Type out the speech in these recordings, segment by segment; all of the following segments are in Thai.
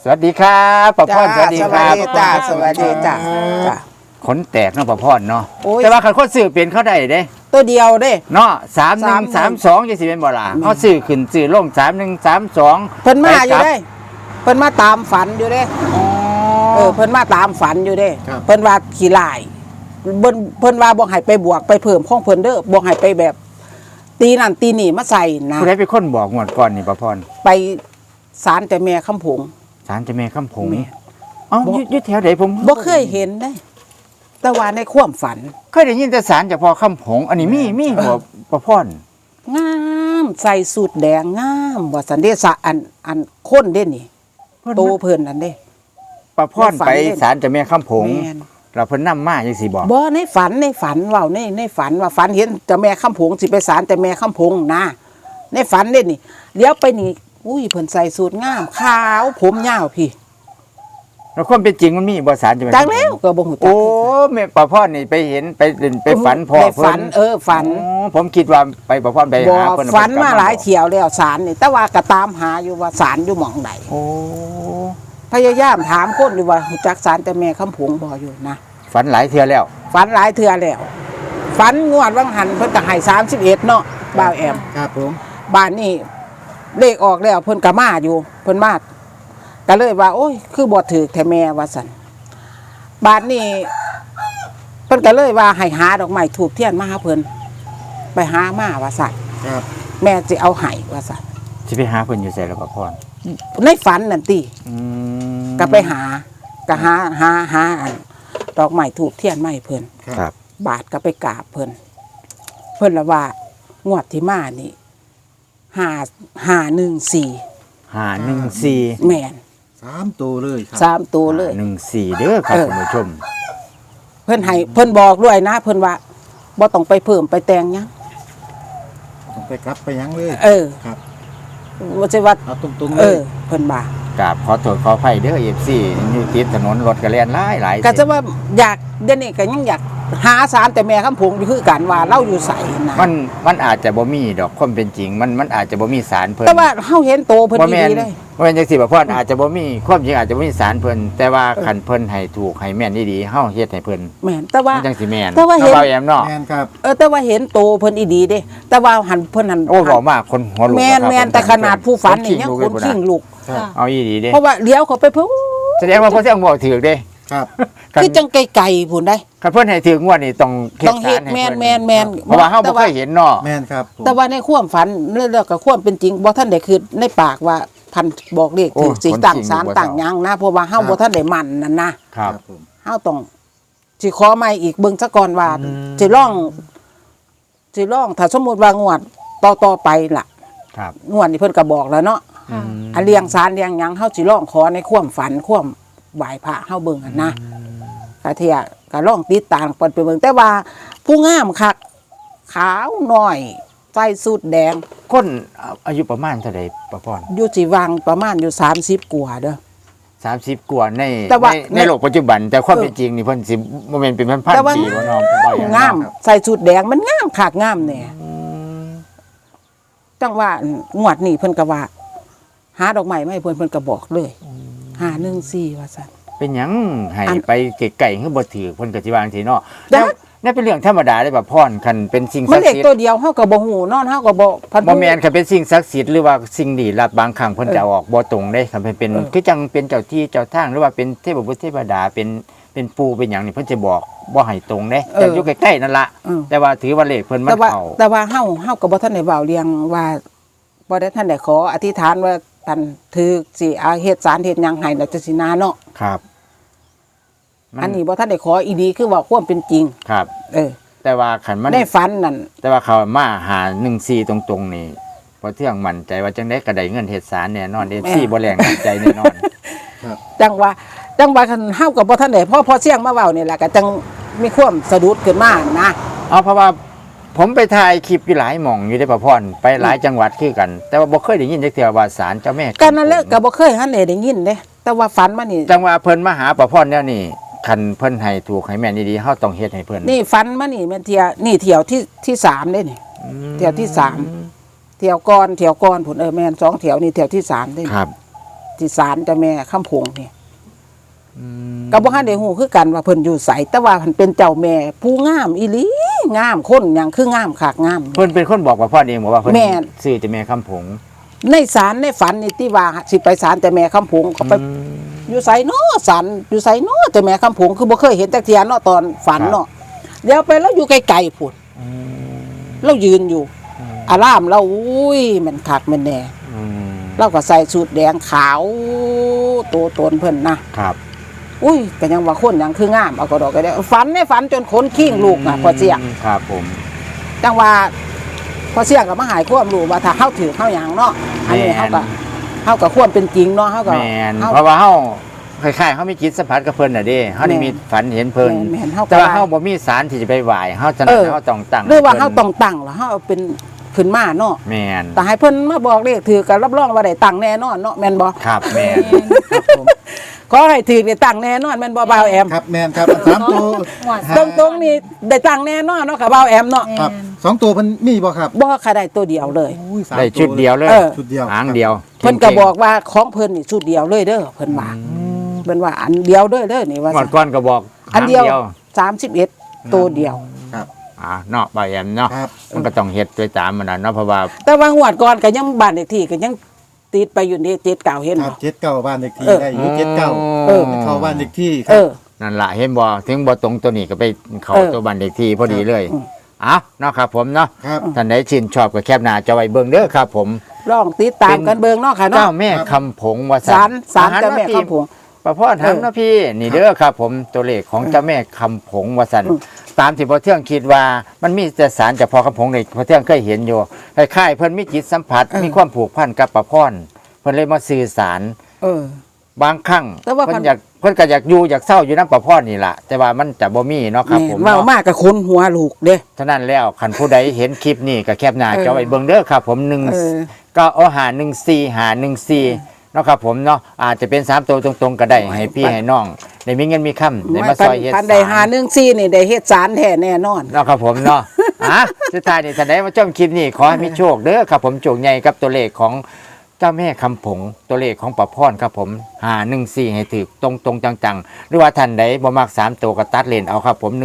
วัสดีครับป้าพรสวัสดีครับจ้าสวัสดีจ้าจ้าขนแตกเนาะป้าพรเนาะโอ้ยแต่ว่าคันคนซื้อเป็นเขาได้เด้ตัวเดียวเด้เนาะ3132จังสิเป็นบ่ล่ะเขาซื้อขึ้นซื้อลง3132 เพิ่นมาอยู่เด้เพิ่นมาตามฝันอยู่เด้อ๋อเพิ่นมาตามฝันอยู่เด้ครับเพิ่นว่าขี้ลายเพิ่นว่าบ่ให้ไปบวกไปเพิ่มของเพิ่นเด้อบ่ให้ไปแบบ ตีนั่นตีนี่มาใส่นะผู้ใดเป็นคนบอกงวดก่อนนี่ป้าพรไปศาลแต่แม่คำผงศาลเจ้าแม่คำผงแม่เอ้าบ่อยู่แถวไหนผมบ่เคยเห็นได้ แต่ว่าในความฝันเคยได้ยินแต่ศาลเจ้าพ่อคำผงอันนี้มีหัวป้าพรงามใส่สูทแดงงามว่าสันเดสะอันคนเด้นี่โตเพิ่นนั่นเด้ป้าพรไปศาลเจ้าแม่คำผงแม่นเราเพิ่นนำมาจังสิบอกบ่ในฝันเว้าในฝันว่าฝันเห็นเจ้าแม่คำผงสิไปศาลแต่แม่คำผงนะในฝันเด้นี่เลี้ยวไปนี่อุ้ยเพิ่นใส่สูทงามขาวผมยาวพี่แล้วความเป็นจริงมันมีบ่ศาลเจ้าแม่จักคำผงแล้วก็บ่ฮู้จัโอ้กแม่ป้าพรนี่ไปเห็นไปเล่นไปฝันพ่อในเพิ่ฝัน ฝันอ๋อผมคิดว่าไปป้าพรไปบ่หาเพิ่นฝันมาหลายเที่ยวแล้วศาลนี่แต่ว่าก็ตามหาอยู่ว่าศาลอยู่หม่องใดโอ้พยายามถามคนอยู่ว่ารู้จักศาลแต่แม่คำผงบ่อยู่นะฝันหลายเทื่อแล้วฝันหลายเทื่อแล้วฝันงวดวังหันเพิ่นก็ให้31เนาะบ่าวแอมครับผมบ้านนี้เลขออกแล้วเพิ่นก็มาอยู่เพิ่นมาก็เลยว่า โอ้ย คือบ่ถือแท้แม่ว่าซั่นบ้านนี้เพิ่นก็เลยว่าให้หาดอกไม้ถูกเทียนมาหาเพิ่นไปหามาว่าซั่นครับแม่สิเอาให้ว่าซั่นสิไปหาเพิ่นอยู่ไสล่ะป้าพรในฝันนั่นติอืมก็ไปหาก็หาอันดอกไม้ถูกเทียนมาให้เพิ่นครับบาทก็ไปกราบเพิ่นเพิ่นละว่างวดที่มานี่514 514 แม่น 3 ตัวเลยครับ 3ตัวเลย 14เด้อครับเออคุณผู้ชมเพิ่นให้เพิ่นบอกด้วยนะ เพิ่นว่าบ่ต้องไปเพิ่มไปแต่งหยังต้องไปกลับไปยังเลยเออครับบ่ใช่ว่าเอาตรงๆเอเลอย เพิ่นว่ากราบขอโทษขออภัยเด้อ FC อยู่ติดถนนรถก็แล่นหลายก็จะว่าอยากเดี๋ยวนี้ก็ยังอยากหาสารแต่แม่คำผงอยู่คือกันว่าเราอยู่ไสนะมันอาจจะบ่มีดอกความเป็นจริง มันอาจจะบ่มีสารเพิ่นแต่ว่าเฮาเห็นโตเพิ่นบ่แม่นดีๆเลยบ่แม่นจังซี่ป้าพรอาจจะบ่มีความจริงอาจจะบ่มีสารเพิ่นแต่ว่าคันเพิ่นให้ถูกให้แม่นดีๆเฮาเฮ็ดให้เพิ่นแม่นแต่ว่ามันจังสิแม่นแต่ว่าเห็นเบาแอมเนาะแมนครับแต่ว่าเห็นโตเพิ่นอีดีเด้แต่ว่าหันเพิ่นหันโอ้บอกมากคนหัวลุกแม่นนะครับแม่นแต่ขนาดผู้ฝันนี่ยังคคน นขิ้งลุกครับเอาอีดีเด้เพราะว่าเลี้ยวเขาไปเพิ่นแสดงว่าเพิ่นสิเอาบอกถือเด้ครับคือจังไกลๆพุ่นได้คันเพิ่นให้ถืองวดนี่ต้องต้องเฮ็ดสารให้แม่นเพิ่แม่นเพราะว่าเฮาบ่เคยเห็นเนาะแมนครับผมแต่ว่าในความฝันเรื่องกับความเป็นจริงบ่ท่านได้คือในปากว่าพันบอกเลขถึงสิตั้งศาลตั้งหยังนะเพราะว่าเฮาบ่ท่านได้มั่นนั่นนะครับผมเฮาต้องสิขอใหม่อีกเบิ่งซะก่อนว่าอืมสิลองถ้าสมมุติว่างวดต่อไปล่ะครับงวดนี้เพิ่นก็บอกแล้วเนาะอืมอันเลี้ยงศาลเลี้ยงหยังเฮาสิลองขอในความฝันความไหว้พระเฮาเบิ่งหั่นนะกะเที่ยก็ลองติดตามเพิ่นไปเบิ่งแต่ว่าผู้งามคักขาวน้อยใส่สูทแดงคนอายุประมาณเท่าใดป้าพรอยู่สิวังประมาณอยู่30กว่าเด้อ 30กว่าในแต่ว่าในโลกปัจจุบัน แต่ความเป็นจริงนี่เพิ่นสิบ่แม่นเป็นพันแต่ว่าๆปีบ่เนาะบ่อย่างงามใส่สูทแดงมันงามคักงามแน่จังว่างวดนี้เพิ่นก็ว่า หาดอกไม้มาให้เพิ่นก็บอกเลย514ว่าซั่นเป็นหยังให้อันไปไกลๆคือบ่ถือเพิ่นก็สิว่าจังซี่เนาะแต่แล้วนั่นเป็นเรื่องธรรมดาเลยป้าพรคันเป็นสิ่งมัศันกเด็ดิ์กสิทตัวธิ์เดียวเฮาก็บ่ฮู้นอนเฮาก็บ่พันบ่แม่นคันเป็นสิ่งศักดิ์สิทธิ์หรือว่าสิ่งลี้ลับบางครั้งเพิ่นจะเอาออกบ่ตรงเด้คันเป็นคือจังเป็นเจ้าที่เจ้าทางหรือว่าเป็นเทพบุตรเทพดาเป็นปู่เป็นหยังนี่เพิ่นจะบอกบ่ให้ตรงเด้แต่อยู่ใกล้ๆนั่นล่ะเออแต่ว่าถือว่าเลขเพิ่นมัแต่นว่าเข้าแต่ว่าเฮาก็บ่ทันได้เว้าเรียงว่าบ่ได้ทันได้ขออธิษฐานว่าท่านถือสิเอาเฮ็ดสารเฮ็ดหยังให้แล้วจังสินาเนาะครับมัอันนี้บ่ทันได้ขออีดีคือว่าความเป็นจริงครับเออแต่ว่าคันมันในฝันนั่นแต่ว่าเขามาหา14ตรงๆนี่พอเที่ยงมั่นใจว่าจังได๋ก็ได้เงินเฮ็ดสารแน่นอน FC บ่แรงน้ำใจแน่นอนจังว่าคันเฮากับบ่ทันได้พอเสียงมาเว้านี่แหละก็จังมีความสะดุดขึ้นมานะเอาเพราะว่าผมไปถ่ายคลิปอยู่หลายหม่องอยู่ได้ป้าพรไปหลายจังหวัดคือกัน แต่ว่าบ่เคยได้ยินจักเทื่อว่าศาลเจ้าแม่ก็นั่นแหละก็บ่เคยหันได้ยินเด้แต่ว่าฝันมานี่จังว่าเพิ่นมาหาป้าพรแล้วนี่คันเพิ่นให้ถูกให้แม่นดีๆเฮาต้องเฮ็ดให้เพิ่นนี่ฝันมานี่แม่นเที่ยวที่3เด้นี่เที่ยวที่3เที่ยวก่อนพุ่นแม่น2เที่ยวนี่เที่ยวที่3เด้ครับที่ศาลเจ้าแม่คำผงนี่อืมก็บ่ทันได้ฮู้คือกันว่าเพิ่นอยู่ไสแต่ว่าเพิ่นเป็นเจ้าแม่ผู้งามอีหลีงามคนหยังคืองามคักงามเพิ่นเป็นคนบอกว่าพ่อเองบอกว่าเพิ่นแม่นซื้อแต่แม่คำผงในศาลในฝันนี่ที่ว่าสิไปศาลเจ้าแม่คำผงก็ไปอยู่ไสเนาะศาลอยู่ไสเนาะเจ้าแม่คำผงคือบ่เคยเห็นจักเที่ยเนาะตอนฝันเนาะเดี๋ยวไปแล้วอยู่ไกลๆพุ่นเรายืนอยู่อารามเราอุ้ยมันคักมันแน่อืมเราก็ใส่สูทแดงขาวโตตนเพิ่นนะครับ อุ้ยก็ยังว่าคนหยังคืองามเอาก็ดอกก็ได้ฝันในฝันจนขนขิ้งลูกน่ะพอเสียงครับผมจังว่าพอเสียงก็มาหายความรู้ว่าถ้าเฮาถือเฮาหยังเนาะอันนี้เฮาก็ควรเป็นจริงเนาะเฮาก็แม่นเฮาเพราะว่าเฮาคล้ายๆเฮามีจิตสัมผัสกับเพิ่นน่ะเด้เฮาได้แม่นมีฝันเห็นเพิ่นแม่นเฮาก็แต่ว่าเฮาบ่มีสารที่จะไปไหว้เฮาจะนั้นเฮาต้องตั้งหรือว่าเฮาพิ่นต้องตั้งแล้วเฮาเอาเป็นขึ้นมาเนาะแม่นแต่ให้เพิ่นมาบอกเลขถือก็รับรองว่าได้ตั้งแน่นอนเนาะแม่นบ่ครับแม่นครับผมขอให้ถือได้ตั้งแน่นอนแม่นบ่บ่าวแอมครับแมนครับสามตัวตรงๆนี่ได้ตั้งแน่นอนเนาะค่ะบ่าวแอมเนาะครับสองตัวเพิ่นมีบ่ครับบ่ค่ะได้ตัวเดียวเลยอุ้ยสามได้ตัวชุดเดียวเลยเออชุดเดียวหางเดียวเพิ่นก็บอกว่าของเพิ่นนี่ชุดเดียวเลยเด้อเพิ่นว่าเพิ่นว่าอันเดียวเด้อนี่ว่าหมดก้อนก็บอกอันเดียวหาง 31ตัวเดียวครับเนาะบ่แอมเนาะครับมันก็ต้องเฮ็ดไปตามมันน่ะเนาะเพราะว่าแต่ว่างวดก่อนก็ยังบ้านเลขที่ก็ยังติดไปอยู่นี่ติดเก่าเห็นครับบ่เจ็ดเก้าบ้านเด็กที่เออได้อยู่เจ็ดเก้าเออเข้าบ้านเด็กที่คเอรับอนั่นล่ะเห็นบ่ถึงบ่ตรงตัวนี้ก็ไปเข้าเออตัวบ้านเลขที่พอดีเลยอืมเนาะครับผมเนาะครับท่านใดชื่นชอบก็แคปหน้าจอไว้เบิ่งเด้อครับผมลองติดตามกันเบิ่งเนาะค่ะเจ้าเนาะแม่คำผงว่าศาลเจ้าแม่คำผงประพ่อถามนะพี่นี่เด้อครับผมตัวเลขของเจ้าแม่คำผงว่าซั่นอืมตามที่พ่อเทืองคิดว่ามันมีแต่สารจากพ่อคำผงนี่พ่อเทืองเคยเห็นอยู่คล้ายๆเพิ่นมีจิตสัมผัสมีความผูกพันกับประพ่อนเพิ่นเลยมาสื่อสารเออบางครั้งแต่ว่าเพิ่นก็อยากอยู่อยากเศร้าอยู่นำประพ่อนนี่ล่ะแต่ว่ามันจะบ่มีเนาะครับผมเว้าเนาะมากกับคนหัวลูกเด้ฉะนั้นแล้วคันผู้ใดเห็นคลิปนี้ก็แคปหน้าเออจอไว้เบิ่งเด้อครับผม1 เออก็เอาหา14เนาะครับผมเนาะอาจจะเป็น3ตัวตรงๆก็ได้ให้พี่ให้น้องได้มีเงินมีค่ำได้มาซอยเฮ็ดพันใดหา14นี่ได้เฮ็ดสารแท้แน่นอนเนาะครับผมเนาะ สุดท้ายนี่ท่านใดมาชมคลิปนี้ขอให้มีโชคเด้อครับผมโชคใหญ่กับตัวเลขของเจ้าแม่คำผงตัวเลขของประพรครับผม514ให้ถือตรงจังๆหรือว่าท่านใดบ่มัก3ตัวก็ตัดเลนเอาครับผม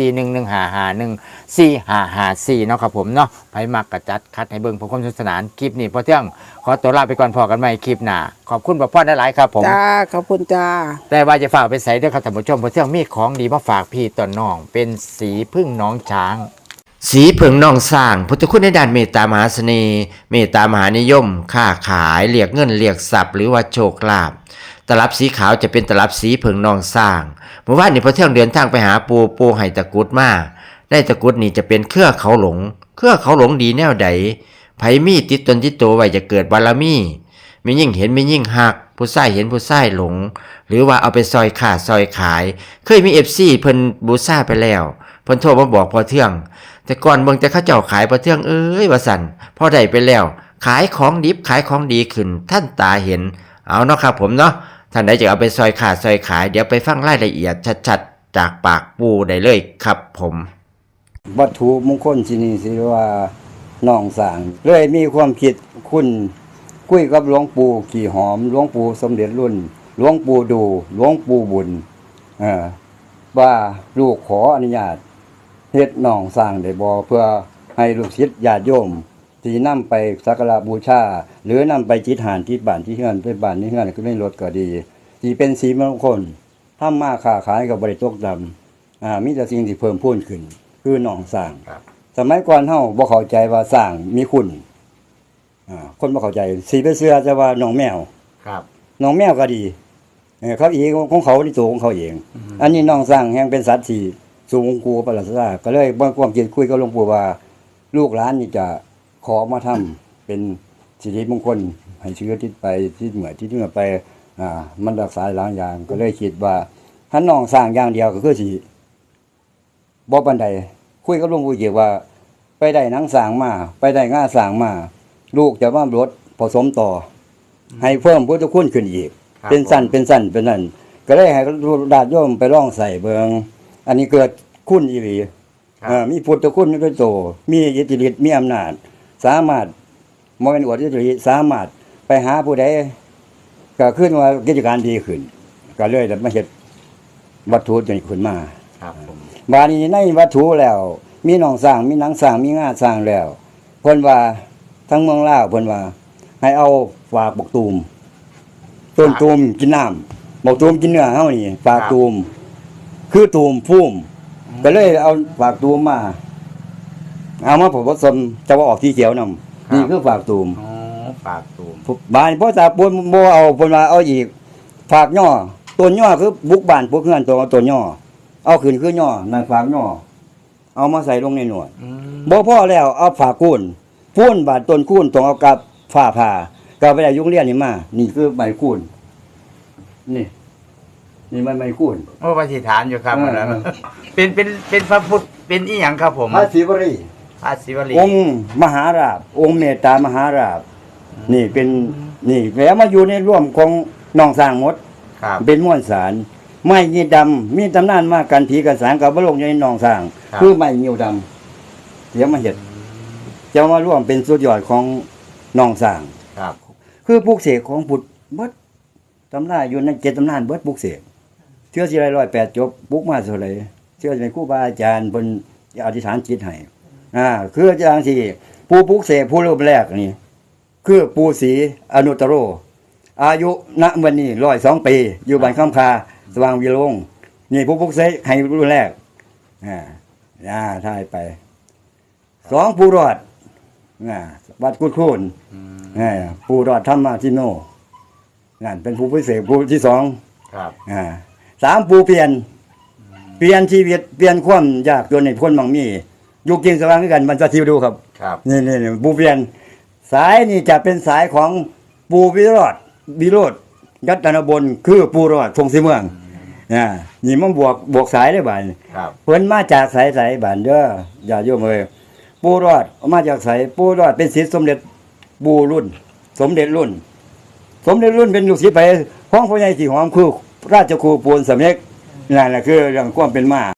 1441155145554เนาะครับผมเนาะไผมักก็จัดคัดให้เบิ่งเพื่อความสนุกสนานคลิปนี้พอเที่ยงขอตัวลาไปก่อนพอกันใหม่คลิปหน้าขอบคุณประพรหลายๆครับผมจ้าขอบคุณจ้าแต่ว่าจะฝากไปใส่ด้วยครับท่านผู้ชมเพราะเที่ยงมีของดีมาฝากพี่ต่อน้อง เป็นสีพึ่งน้องช้าง สีผึ่งน้องสร้างพุทธคุณในด้านเมตตามหาเสน่ห์เมตตามหานิยม ค้าขายเรียกเงินเรียกทรัพย์หรือว่าโชคลาภตลับสีขาวจะเป็นตลับสีผึ่งน้องสร้างเมื่อวานนี้พอเที่ยงเดินทางไปหาปูไห้ตะกรุดมาได้ตะกรุดนี่จะเป็นเครือเขาหลงดีแนวใดไผมีติดตนติดตัวไว้จะเกิดบารมีมียิ่งเห็นมียิ่งหักผู้ใส่เห็นผู้ใส่หลง หรือว่าเอาไปซอยขาดซอยขายเคยมีFCเพิ่นบูซ่าไปแล้วเพิ่นโทรมาบอกพอเที่ยงแต่ก่อนเบิ่งแต่เขาเจ้าขายพอเที่ยงเอ้ยว่าสั่นพอได้ไปแล้วขายของดิบขายของดีขึ้นท่านตาเห็นเอาเนาะครับผมเนาะท่านใดจะเอาไปซอยขาดซอยขายเดี๋ยวไปฟังรายละเอียดชัดๆจากปากปูได้เลยครับผมวัตถุมงคลที่นี่สิว่าน้องสร้างเลยมีความคิดคุณคุยกับหลวงปู่ขี่หอมหลวงปู่สมเด็จรุ่นหลวงปู่ดูหลวงปู่บุญว่าลูกขออนุญาตเฮ็ดน้องสร้างได้บ่เพื่อให้ลูกศิษย์ญาติโยมที่นำไปสักการะบูชาหรือนำไปจิตหานที่บ้านที่เฮือนไปบ้านนี้เฮือนก็ไม่ลดก็ดีที่เป็นสีมงคลทำมาค้าขายก็บ่ได้ตกดำมีแต่สิ่งที่เพิ่มพูนขึ้นคือน้องสร้าง สมัยก่อนเฮาบ่เข้าใจว่าสร้างมีคุณคนบ่เข้าใจสิไปเชื่อจะว่าน้องแมวครับน้องแมวก็ดีเขาเองของเขาที่ตัวของเขาเอง อันนี้น้องสร้างแห่งเป็นสัตว์ที่สูงกูประหลาดซาก็เลยบ่ความคิดคุยกับหลวงปู่ว่าลูกหลานนี่จะขอมาทำเป็นสิริมงคลให้เชื้อที่ไปที่เหมือนที่เมื่อไปมันรักษาหลายอย่างก็เลยคิดว่าถ้าน้องสร้างอย่างเดียวก็คือสิบ่ปานใดคุยกับหลวงปู่เกี่ยวว่า ไปได้หนังสร้างมาไปได้ง่าสร้างมาลูกจะว่ารถผสมต่อให้เพิ่มพุทธคุณขึ้นอีกครับเป็นสั้นเป็นนั่นก็ได้ให้ญาติโยมไปลองใส่เบิงอันนี้เกิดคุณอีหลีมีพุทธคุณด้วยโตมีอิทธิฤทธิ์มีอำนาจสามารถบ่แม่นอวดอิทธิฤทธิ์สามารถไปหาผู้ใดก็ขึ้นว่ากิจการดีขึ้น ก็เลยมาเฮ็ดวัตถุจนขึ้นมาครับผมบาดนี้ในวัตถุแล้ว มีหนองสร้างมีหนังสร้างมีงาสร้างแล้วเพิ่นว่าทั้งเมืองลาวเพิ่นว่า ให้เอาฝากบักตูมต้นตูมกินน้ำบักตูมกินเนื้อเฮานี่ฝากตูมคือตูมพุ่มก็เลยเอาฝากตูมมาเอามาผสมจะว่าออกสีเขียวนํนี่คือฝากตูมอ๋อฝากตูมบ้านพ่อตาปูนบ่เอาเพิ่นว่าเอาอีกฝากย่อต้นย่อคือบุกบ้านพวกเฮือนตัวต้นย่อเอาขึ้นคือย่อนั่นฝากย่อเอามาใส่ลงในหนวดอืมบ่พอแล้วเอาฝากคูนพูนบาดต้นคูนต้องเอากับฝ้าผ่าก็ไปได้ยุงเรียนนี่มานี่คือใบคูนนี่ใบคูนโอ้ปฏิฐานอยู่ครับเออแล้วเป็นพระพุทธเป็นอีหยังครับผมพระศิวรีพระศิวลีองค์มหาราชองค์เมตตามหาราชนี่เป็นนี่แล้วมาอยู่ในร่วมของน้องสร้างหมดครับเป็นม้วนสารไม้ยีดำมีตำนานมากกันผีกันสางกับบโลกในหนองสร้างครับคือไม้เงียวดำเดี๋ยวมาเห็ดจะมาร่วมเป็นสุดยอดของหนองสร้างครับคือปลูกเสกของพุทธเบิดตำราอยู่ใน7ตำนานเบิดปลูกเสกเชื่อสิไร108จบปลูกมาเท่าไหร่เชื่อเป็นครูบาอาจารย์เพิ่นอธิษฐานจิตให้คืออย่างที่ผู้ปลูกเสกผู้รูปแรกนี่คือปู่ศรีอนุตตโร อายุณวันนี้102 ปี อยู่บ้านคำคาสว่างวิโรงนี่ผู้ปลุกเสกให้รุ่นแรกถ่ายไป2ผู้รอดวัดกุดคูนผู้รอดธรรมทิโนนั่นเป็นผู้พิเศษผู้ที่2 ครับ 3ผู้เปลี่ยนชีวิตเปลี่ยนความยากจนให้พ้นมั่งมีอยู่กินสว่างด้วยกันมันจะทิวดูครับครับนี่ผู้เปลี่ยนสายนี่จะเป็นสายของปูวิโรธยัตนบลคือปูรอดทงสีเมืองนี่มันบวกสายได้บ่านครับเพิ่นมาจากสายบ้านเด้ออย่าโยมเอ้ยปูรอดมาจากสายปูรอดเป็นศิษย์สมเด็จปูรุ่น สมเด็จรุ่นเป็นลูกศิษย์ไปห้องพ่อใหญ่ที่หอมคือราชครูปูนสำเร็จนั่นแหละคือเรื่องความเป็นมา